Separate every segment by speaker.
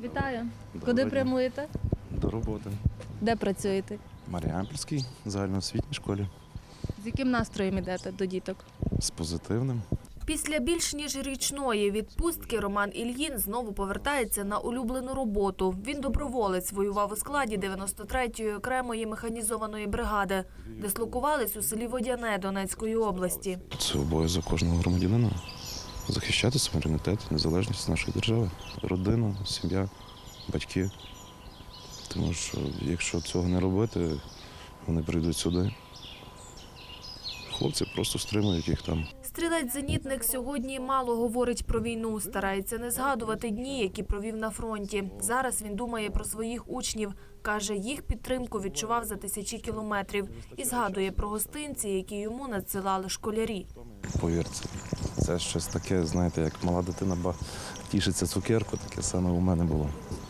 Speaker 1: Вітаю.
Speaker 2: Доброго
Speaker 1: Куди
Speaker 2: дня.
Speaker 1: прямуєте?
Speaker 2: До роботи.
Speaker 1: Де працюєте?
Speaker 2: В Маріампольській загальноосвітній школі.
Speaker 1: З яким настроєм йдете до діток?
Speaker 2: З позитивним.
Speaker 3: Після більш ніж річної відпустки Роман Ільїн знову повертається на улюблену роботу. Він доброволець, воював у складі 93-ї окремої механізованої бригади. Дислокувались у селі Водяне Донецької області.
Speaker 2: Це обов'язок кожного громадянина. Захищати суверенітет, незалежність нашої держави. Родина, сім'я, батьки. Тому що якщо цього не робити, вони прийдуть сюди. Хлопці просто стримують їх там.
Speaker 3: Стрілець-зенітник сьогодні мало говорить про війну, старається не згадувати дні, які провів на фронті. Зараз він думає про своїх учнів. Каже, їх підтримку відчував за тисячі кілометрів. І згадує про гостинці, які йому надсилали школярі.
Speaker 2: Повірте, це щось таке, знаєте, як мала дитина тішиться цукерку, таке саме у мене було.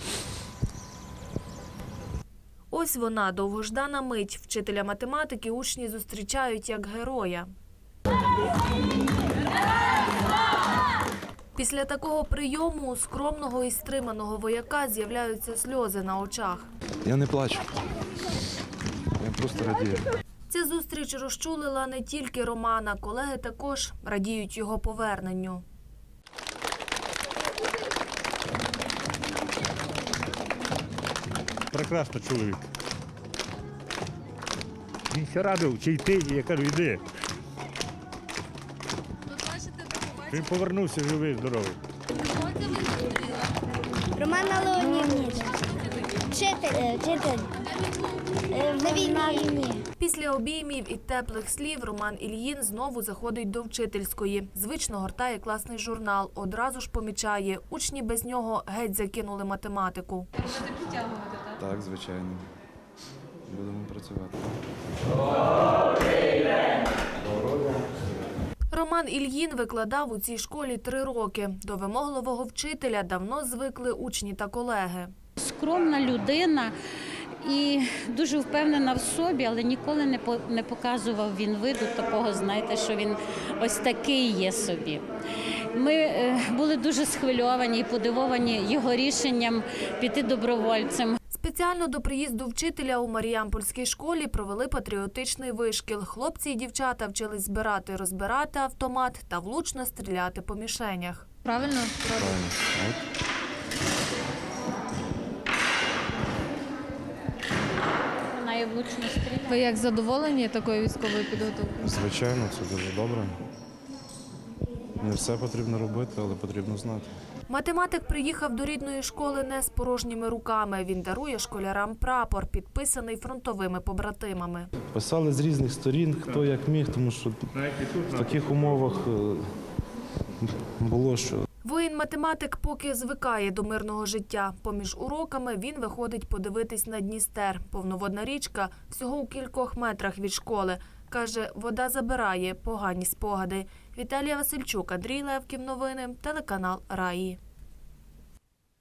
Speaker 3: Ось вона, довгождана мить. Вчителя математики учні зустрічають як героя. Після такого прийому у скромного і стриманого вояка з'являються сльози на очах.
Speaker 2: Я не плачу. Я просто радію.
Speaker 3: Ця зустріч розчулила не тільки Романа. Колеги також радіють його поверненню.
Speaker 4: Прекрасний чоловік. Він ще радив, чи йти, і я кажу, йди. Він повернувся живий, здоровий.
Speaker 5: Романа Леонідовича. Вчитель. На війні.
Speaker 3: Після обіймів і теплих слів Роман Ільїн знову заходить до вчительської. Звично гортає класний журнал. Одразу ж помічає, учні без нього геть закинули математику.
Speaker 2: Так, звичайно. Будемо працювати.
Speaker 3: Роман Ільїн викладав у цій школі 3 роки. До вимогливого вчителя давно звикли учні та колеги.
Speaker 6: Скромна людина і дуже впевнена в собі, але ніколи не показував він виду такого, знаєте, що він ось такий є собі. Ми були дуже схвильовані і подивовані його рішенням піти добровольцем.
Speaker 3: Спеціально до приїзду вчителя у Маріампольській школі провели патріотичний вишкіл. Хлопці і дівчата вчились збирати, розбирати автомат та влучно стріляти по мішенях.
Speaker 1: Правильно?
Speaker 2: Правильно. От.
Speaker 6: Вона є влучно стріляє.
Speaker 1: Ви як задоволені такою військовою підготовкою?
Speaker 2: Звичайно, це дуже добре. Не все потрібно робити, але потрібно знати.
Speaker 3: Математик приїхав до рідної школи не з порожніми руками. Він дарує школярам прапор, підписаний фронтовими побратимами.
Speaker 2: Писали з різних сторін, хто як міг, тому що в таких умовах було, що
Speaker 3: Воїн-математик поки звикає до мирного життя. Поміж уроками він виходить подивитись на Дністер. Повноводна річка всього у кількох метрах від школи. Каже, вода забирає погані спогади. Віталія Васильчук, Андрій Левків. Новини. Телеканал Раї.